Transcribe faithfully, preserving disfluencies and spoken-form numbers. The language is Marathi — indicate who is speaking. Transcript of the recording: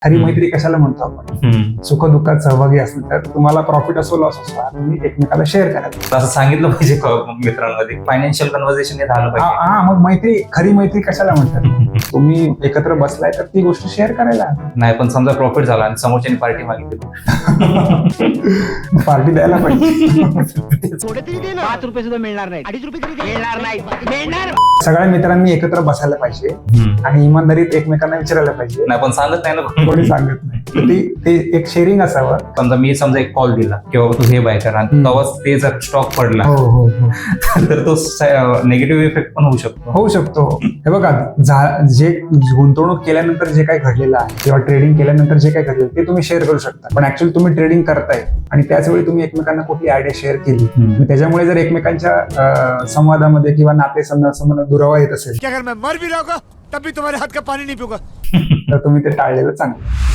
Speaker 1: खरी मैत्री कशाला म्हणतो आपण, सुख दुःखात सहभागी असतील तर तुम्हाला प्रॉफिट असो लॉस असो तुम्ही एकमेकाला शेअर करायचं.
Speaker 2: असं सांगितलं पाहिजे मित्रांमध्ये फायनान्शियल कन्व्हर्सेशन हे झालं पाहिजे.
Speaker 1: हा मग मैत्री खरी मैत्री कशाला म्हणतात, तुम्ही एकत्र बसलाय तर ती गोष्ट शेअर करायला.
Speaker 2: नाही पण समजा प्रॉफिट झाला आणि समोरच्याने पार्टी मागितली
Speaker 1: पार्टी द्यायला पाहिजे.
Speaker 3: पाच रुपये सुद्धा मिळणार नाही, अडीच रुपये तरी मिळणार नाही, मिळणार.
Speaker 1: सगळ्या मित्रांनी एकत्र बसायला पाहिजे आणि इमानदारीत एकमेकांना विचारायला पाहिजे.
Speaker 2: नाही पण सांगत नाही ना
Speaker 1: कोणी सांगत नाही, तर ती ते एक शेअरिंग असावं.
Speaker 2: समजा मी समजा एक कॉल दिला किंवा तू हे बाय कर आणि तेव्हाच ते जर स्टॉक पडला
Speaker 1: हो हो हो
Speaker 2: तर तो निगेटिव्ह इफेक्ट पण होऊ शकतो.
Speaker 1: होऊ शकतो. हे बघा, जे गुंतवणूक केल्यानंतर जे काही घडलेलं आहे किंवा ट्रेडिंग केल्यानंतर जे काही घडलेलं ते तुम्ही शेअर करू शकता, पण ऍक्च्युअली तुम्ही ट्रेडिंग करताय आणि त्याच वेळी तुम्ही एकमेकांना कुठली आयडिया शेअर केली आणि त्याच्यामुळे जर एकमेकांच्या संवादामध्ये किंवा नाते संबंध दुरावा येत असेल
Speaker 3: क्या अगर मैं मर भी रहा तब भी तुम्हारे हाथ का पानी नहीं पिऊंगा
Speaker 1: तर तुम्ही ते टाळलेलं चांगलं.